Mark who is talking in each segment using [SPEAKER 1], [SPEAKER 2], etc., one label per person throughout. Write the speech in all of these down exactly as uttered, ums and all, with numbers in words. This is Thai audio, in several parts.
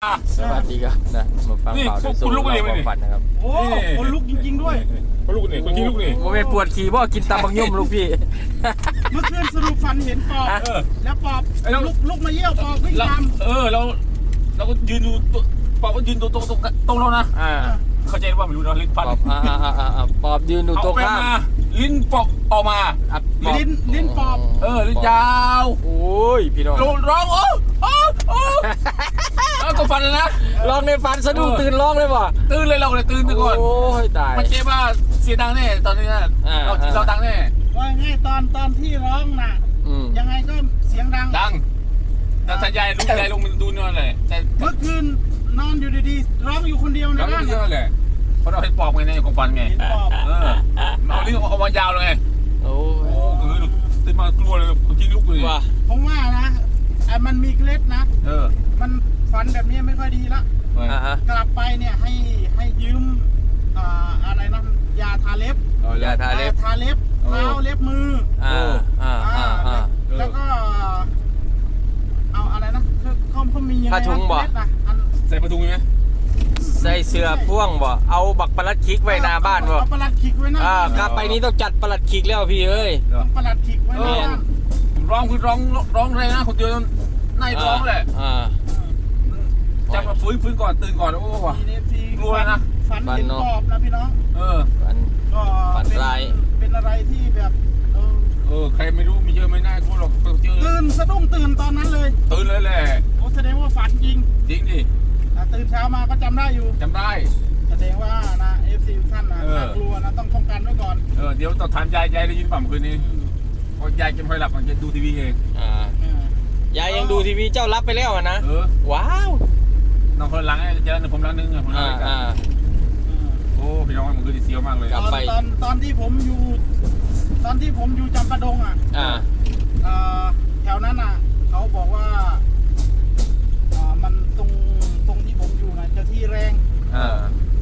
[SPEAKER 1] สวัสดีครับนะมาฟังข่าวด้วยสู้เราความฝันนะครับ
[SPEAKER 2] โอ้คนลุกจริงๆด้วย
[SPEAKER 3] คนลุกนี่คนขี้ลุกนี่
[SPEAKER 1] โมเมปวดขี่บ่กินตำบักย่อมลูกพี่
[SPEAKER 2] เมื่อคืนสรุปฝันเห็นปอบแล้วปอบลุกลุกมาเยี่ยวปอบวิ่งตาม
[SPEAKER 3] เออเราเราก็ยืนดูปอบก็ยืนตรงตรงตรงเรานะเข้าใจว่าไม่รู้นะลิ้นฟัน
[SPEAKER 1] ปอบยืนดูตรงข้าม
[SPEAKER 3] ลิ้นปอบออกมา
[SPEAKER 2] ลิ้นลิ้นปอบ
[SPEAKER 3] เออลิ้นยาว
[SPEAKER 1] โอ้ยพี่น้อง
[SPEAKER 3] ร้องโอ้โอ้โอ้แล้วก็ฟันนะ
[SPEAKER 1] ร้องในฝันสะดุ้งตื่นร้องเลยป่ะ
[SPEAKER 3] ตื่นเลยเราเลยตื่นไปก่อน
[SPEAKER 1] โอ้ยตาย
[SPEAKER 3] มันเจ๊ว่าเสียดังแน่ตอนนี้นะเราเราดังแน่
[SPEAKER 2] ว่าไงตอนตอนที่ร้องน่ะยังไงก็เสียงดัง
[SPEAKER 3] ดังแต่ถ้ายายลุงยายลุงมันดูนอนเลยแต่
[SPEAKER 2] เมื่อคืนนอนอยู่ดีๆร้องอยู่คนเดียวในบ้าน
[SPEAKER 3] นั่นแหละเพราะเราเห็นปอบไงในของฟันไงเออเอาลิ้นเอามายาวเลยไง
[SPEAKER 1] โอ้
[SPEAKER 3] โหคือตื่นมากลัวเลยจริงลุกเลย
[SPEAKER 1] ว่ะ
[SPEAKER 2] ผมว่านะไอ้มันมีเคล็ดนะ
[SPEAKER 3] เออ
[SPEAKER 2] มันฝันแบบนี้ไม่ค่อยดีละกลับไปเนี่ยให้ให้ยืมอ่าอะไรนะยาทาเล็บ
[SPEAKER 1] ยาทาเล็บ
[SPEAKER 2] ทาเล็บเท้าเล็บมือ
[SPEAKER 1] อ่าอ่าอ่า
[SPEAKER 2] แล้วก็เอาอะไรนะเขาเขามียังไง
[SPEAKER 1] ผ้าถุงบ่
[SPEAKER 3] ใส่ผ้าถุงไหม
[SPEAKER 1] ใส่เสื้อพ่วงบ่เอาบักปลัดคิกไว้หน้าบ้านบ่
[SPEAKER 2] เอาปลัดคิกไว้หน้า
[SPEAKER 1] อ่ากลับไปนี้ต้องจัดปลัดคิกแล้วพี่เอ้ย
[SPEAKER 2] ต้องปลัดคิกไว้หน้าบ้าน
[SPEAKER 3] ร้องคือร้องร้องเลยนะคนเดียวในร้องแหละ
[SPEAKER 1] อ่า
[SPEAKER 3] จับมาฟื้นฟื้นก่อนตื่นก่อนโอ้โหกลัวนะ
[SPEAKER 2] ฝันเห็นปอบนะพี่น้อง
[SPEAKER 3] เออ
[SPEAKER 1] ฝัน
[SPEAKER 2] ก็
[SPEAKER 1] ฝันร้าย
[SPEAKER 2] เป็นอะไรที่แบบเออ
[SPEAKER 3] เออใครไม่รู้มีเยอะไม่น่ากลัวหรอกเจอ
[SPEAKER 2] ตื่นสะดุ้งตื่นตอนนั้นเลย
[SPEAKER 3] ตื่นเลยแหละ
[SPEAKER 2] โอ้แสดงว่าฝันจริง
[SPEAKER 3] จริงดิ
[SPEAKER 2] ตื่นเช้ามาก็จำได้อยู่
[SPEAKER 3] จำได้
[SPEAKER 2] แสดงว่านะเอฟซีท่านนะน่ากลัวนะต้องป้องกันไว้ก่อน
[SPEAKER 3] เออเดี๋ยวต้องถามยายยายได้ยินป่ะเมื่อคืนนี้พอยายจะไม่หลับมันจะดูทีวีเอง
[SPEAKER 1] อ่ายายยังดูทีวีเจ้ารับไปแล้วนะ
[SPEAKER 3] เออ
[SPEAKER 1] ว้าว
[SPEAKER 3] น้องคนหลังเจอผมหลังนึงผมหลังกันโอ้พี่น้องมันคือเสียวมากเลย
[SPEAKER 2] ตอนตอนตอนที่ผมอยู่ตอนที่ผมอยู่จำปาดงอ่ะ
[SPEAKER 1] อ่า
[SPEAKER 2] แถวนั้นอ่ะเขาบอกว่าอ่ามันตรงตรงที่ผมอยู่นะเจ้าที่แรง
[SPEAKER 1] อ่า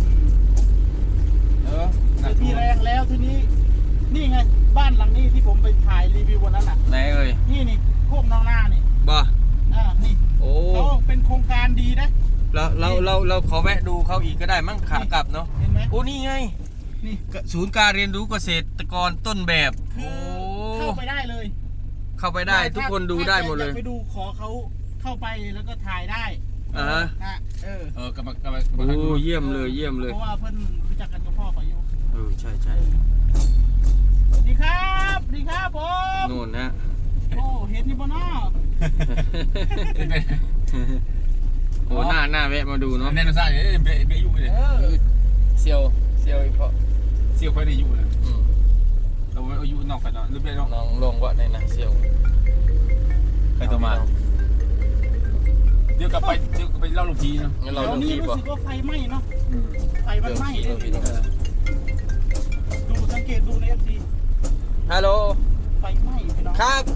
[SPEAKER 2] เออเจ้าที่แรงแล้วทีนี้นี่ไงบ้านหลังนี้ที่ผมไปถ่ายรีวิววันนั้นอ่ะ
[SPEAKER 1] ไหนเอ่ย
[SPEAKER 2] นี่นี่โคกน้องหน้านี่
[SPEAKER 1] บ่
[SPEAKER 2] อ่านี่
[SPEAKER 1] โอ้
[SPEAKER 2] เขาเป็นโครงการดีนะ
[SPEAKER 1] เราเราเราเราขอแวะดูเขาอีกก็ได้มั้งขากลับเนาะ
[SPEAKER 2] เห็นไหม
[SPEAKER 1] โอ้นี่ไง
[SPEAKER 2] นี่
[SPEAKER 1] ศูนย์การเรียนรู้เกษตรกรต้นแบบโอ้
[SPEAKER 2] เข้าไปได้เลย
[SPEAKER 1] เข้าไปได้ทุกคนดูได้หมดเลย
[SPEAKER 2] ไปดูขอเขาเข้าไปแล้วก็ถ่ายได้
[SPEAKER 1] อ่า
[SPEAKER 2] ฮะเออ
[SPEAKER 3] เออกำลังกำลัง
[SPEAKER 1] โอ้เยี่ยมเลยเยี่ยมเลย
[SPEAKER 2] เพราะว่าเพื่อนรู้จักกันกับพ่อเขาอยู่
[SPEAKER 1] เออใช่ใช่
[SPEAKER 2] สวัสดีครับสวัสดีครับผม
[SPEAKER 1] นู่นนะ
[SPEAKER 2] โอ้เห็นนี่บ่เนาะ
[SPEAKER 1] โอ้หน้าหน้าแวะมาดูเนาะ
[SPEAKER 3] แน่นอนใช่เบะเบะยุ่งเลย
[SPEAKER 1] เซียวเซียวอีกเพราะ
[SPEAKER 3] เซียวค่อยได้ยุ่งเลยเราอายุนอกกันเนาะหรือเปล่า
[SPEAKER 1] น้องลงวะในนั้นเซียว
[SPEAKER 3] ใครตัวมาเดี๋ยวกลับไปเดี๋ยวไปเล่าลูกทีเนาะ
[SPEAKER 2] เราลูกทีรู้สึกว่าไฟไหม้เนาะไฟมันไหม้เลยดูสังเกตดูในเอฟซี
[SPEAKER 1] ฮัลโหล
[SPEAKER 2] ไฟไหม้พี่น้อง
[SPEAKER 1] ครับ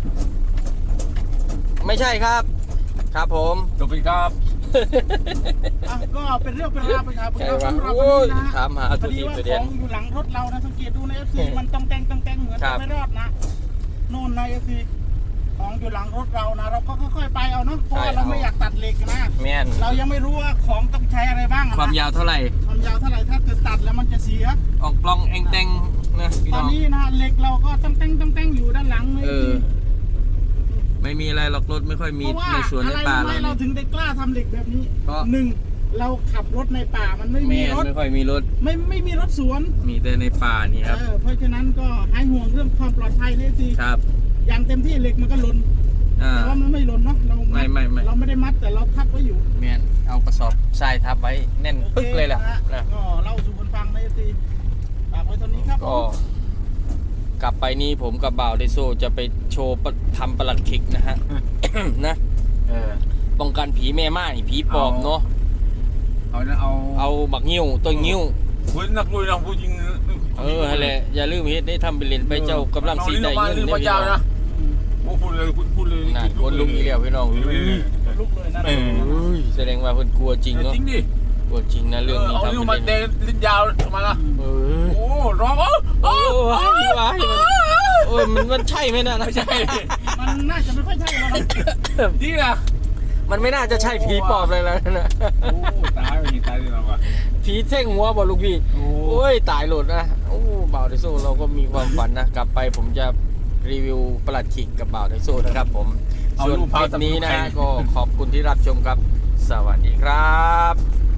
[SPEAKER 1] ไม่ใช่ครับครับผม
[SPEAKER 3] จบไปครับ
[SPEAKER 2] ก็เป็นเรื่องเป็นราวไปครับเราสำหรับวันนี้นะ
[SPEAKER 1] ถามหาทุกทีประเด็น
[SPEAKER 2] อยู่หลังรถเรานะสังเกตดูในเอฟซีมันต้องแต่งต้องแต่งเหมือนไม่รอดนะโน่นในเอฟซีของอยู่หลังรถเรานะเราก็ค่อยๆไปเอาเนาะเพราะเราไม่อยากตัดเหล็กนะเรายังไม่รู้ว่าของต้องใช้อะไรบ้าง
[SPEAKER 1] ความยาวเท่าไหร่
[SPEAKER 2] ความยาวเท่าไหร่ถ้าเกิดตัดแล้วมันจะเสีย
[SPEAKER 1] ออกปล้องเองแต่งนะ
[SPEAKER 2] ตอนนี้นะเหล็กเราก็ต้องแต่งต้องแต่งอยู่ด้านหลัง
[SPEAKER 1] เออไม่มีอะไรหรอกรถไม่ค่อยมีในสวนในป่าเรา
[SPEAKER 2] เราถึงได้กล้าทำเหล็กแบบนี้หนึ่งเราขับรถในป่ามันไม่มีรถ
[SPEAKER 1] ไม่ค่อยมีรถ
[SPEAKER 2] ไม่ไม่มีรถสวน
[SPEAKER 1] มีแต่ในป่านี่ครับ
[SPEAKER 2] เพราะฉะนั้นก็ให้ห่วงเรื่องความปลอดภัยนี่สิ
[SPEAKER 1] ครับ
[SPEAKER 2] อย่างเต็มที่เหล็กมันก็หล่นแต่ว่ามันไม่หล่นเนาะเรา
[SPEAKER 1] ไม่ไม่ไม่
[SPEAKER 2] เราไม่ได้มัดแต่เราทับไว้อยู่
[SPEAKER 1] แม่นเอากระสอบทรายทับไว้แน่นปึ๊กเลยแหละ
[SPEAKER 2] นะก็เล่าสู่คนฟังในสิฝากไว้ตอนนี้ครับ
[SPEAKER 1] ก็กลับไปนี่ผมกับบ่าวไดโซจะไปโชว์ทำปลัดคิกนะฮะนะป้องกันผีแม่ไม้ผีปอบเนาะ
[SPEAKER 3] เอาเอา
[SPEAKER 1] เอาบักงิ้วตัวงิ้ว
[SPEAKER 3] คุณนักลุยนะผู้จริง
[SPEAKER 1] เอออะไรอย่าลืมเฮ็ดได้ทำไปเล่นไปเจ้ากำลังสีได้เงิน
[SPEAKER 3] ได้พี่น้องโอ้พูดเลยคุณพูดเลย
[SPEAKER 1] นั่นคนลุกอีแล้วพี่น้อง
[SPEAKER 2] ลุกเลยนะ
[SPEAKER 1] แสดงว่าเพิ่นกลัวจริงเนาะ
[SPEAKER 3] จริงดิ
[SPEAKER 1] กลัวจริงนะเรื่องนี้
[SPEAKER 3] ทำเป็นมาเดินลิ้นยาวมาละโอ้ร้องโอ้
[SPEAKER 1] โอ้ยว้ายโอ้ยมันมันใช่ไหมนะ
[SPEAKER 3] ไม่ใช่
[SPEAKER 2] มันน่าจะไม่ค่อยใช่แล้ว
[SPEAKER 3] นี่นะ
[SPEAKER 1] มันไม่น่าจะใช่ผีปอบเลยแล้วนะ
[SPEAKER 3] โอ้ตายไปตายเลยนะวะ
[SPEAKER 1] ผีเท่งหัวบอกลูกพี่
[SPEAKER 3] โอ้
[SPEAKER 1] โอ้ยตายหลุดนะโอ้บ่าวไดโซ่เราก็มีความฝันนะกลับไปผมจะรีวิวประหลัดขิกกับบ่าวไดโซ่นะครับผมส่วนคลิปนี้นะฮะก็ขอบคุณที่รับชมครับสวัสดีครับ